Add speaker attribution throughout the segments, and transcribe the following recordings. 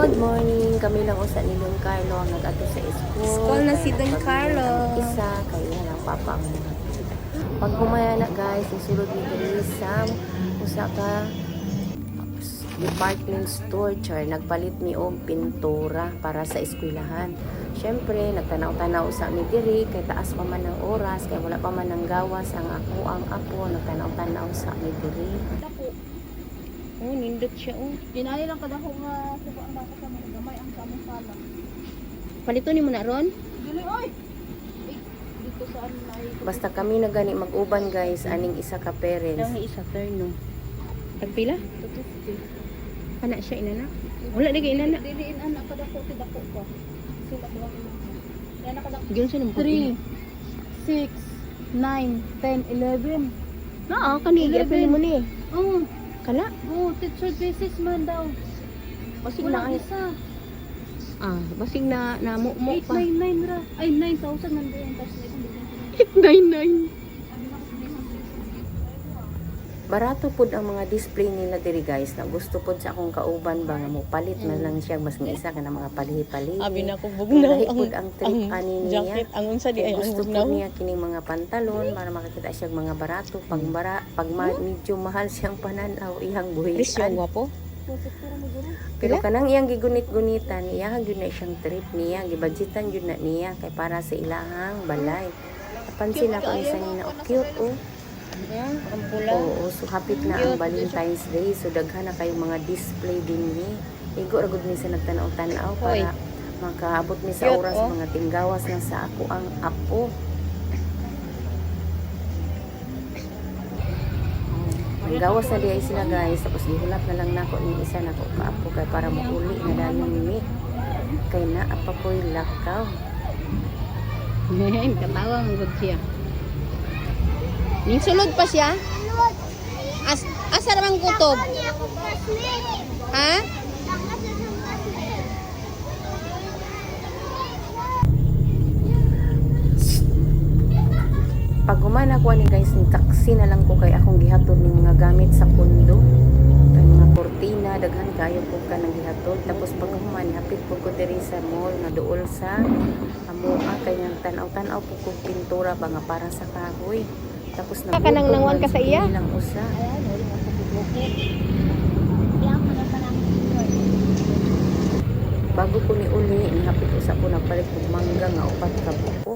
Speaker 1: Good morning. Kami lang usa ni Don Carlo ang nag-ato sa school.
Speaker 2: School na si Don Carlo.
Speaker 1: Isa kaya lang papa ang mga. Pag humaya na guys, isulod ni diri sa usa ka department store char nagpalit mi og pintura para sa eskwelahan. Syempre, nagtanaw-tanaw sa mi diri kay taas pa man ang oras kay wala pa man ang gawas ang ako ang apo nagtanaw-tanaw sa mi diri.
Speaker 2: Oh, nindot siya oh.
Speaker 3: Pinali lang kada ko nga suko ang bata sa mga gamay ang samong sala.
Speaker 2: Palito ni mo na ron?
Speaker 3: Dili oy. Dito saan ay
Speaker 1: Basta kami na gani mag-uban guys, aning isa ka parents.
Speaker 2: Daw isa turn no. Tagpila?
Speaker 3: 250.
Speaker 2: Kana siya inana. Wala di kay inana.
Speaker 3: Diliin anak kada ko tidako ko. Sila ko lang. Yan kada
Speaker 2: Giyon sa nang
Speaker 3: 3 6 9 10 11.
Speaker 2: Oo, kani gyapon mo ni.
Speaker 3: Oh,
Speaker 2: Kala?
Speaker 3: oh, teacher basis man daw.
Speaker 2: Basig
Speaker 3: Wala
Speaker 2: na ay.
Speaker 3: isa.
Speaker 2: Basig na mo pa.
Speaker 3: 899 ra. Ay 9,000 man din tas
Speaker 2: 899.
Speaker 1: Barato pud ang mga display nila diri guys na gusto pud sa akong kauban ba nga mo palit na lang siya mas nga isa ka na mga palihi-palihi.
Speaker 2: Abi na ko bugnaw
Speaker 1: Lahi pud ang trip ani niya.
Speaker 2: jacket ang unsa di
Speaker 1: Kaya
Speaker 2: ay ang
Speaker 1: gusto
Speaker 2: bugnaw.
Speaker 1: po niya kining mga pantalon para makakita siya mga barato pag medyo mahal siyang pananaw iyang
Speaker 2: Presyo
Speaker 1: buhian.
Speaker 2: gwapo.
Speaker 1: Pero kanang iyang gigunit-gunitan niya gyud na siyang trip niya gibudgetan gyud na niya kay para sa ilahang balay. Napansin ako isa niya na cute oh.
Speaker 2: Ang pula.
Speaker 1: Oo, so hapit na ang Valentine's Day. So daghan na kayong mga display din ni. Igo ra gud mi sa nagtanaw-tanaw
Speaker 2: Hoy.
Speaker 1: para makaabot mi sa
Speaker 2: Cute,
Speaker 1: oras
Speaker 2: oh.
Speaker 1: mga tinggawas na sa ako ang apo. Ang gawas na diay sila guys, tapos gihulap na lang nako ni isa nako kaapo kay para mauli na dayon mi. Kay naa pa ko'y lakaw.
Speaker 2: Katawa mo gud siya. Ning sulod pa siya? Asa ramang kutob? Ha?
Speaker 1: Pag humana ko ani guys, ni taxi na lang ko kay akong gihatod ning mga gamit sa pundo. Kay mga kortina, daghan kayo po ka nang gihatod. Tapos pag humana, hapit po ko diri sa mall na duol sa amoa kay nang tanaw-tanaw po ko pintura ba nga para sa kahoy. Tapos na
Speaker 2: Kanang nangwan ka sa iya?
Speaker 1: Lang usa. Bago ko ni uli, nihapit usa ko nagpalit og mangga nga upat ka buko.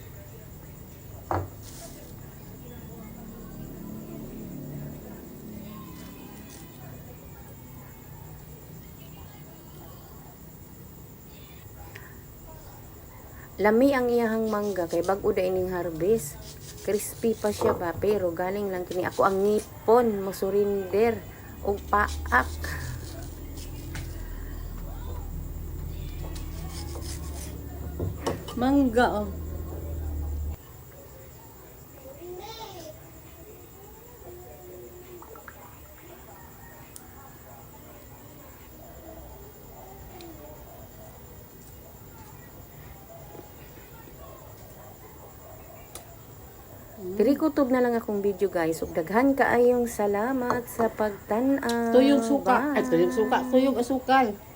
Speaker 1: Lami ang iyahang mangga kay bag-o da ining harvest. Crispy pa siya ba pero galing lang kini ako ang ngipon mo surinder og paak.
Speaker 3: Mangga oh.
Speaker 1: Diri kutob na lang akong video guys. Ug daghan kaayong salamat sa pagtan-aw.
Speaker 3: Tuyong suka.
Speaker 1: Bye.
Speaker 3: Ay tuyong suka, tuyong asukal.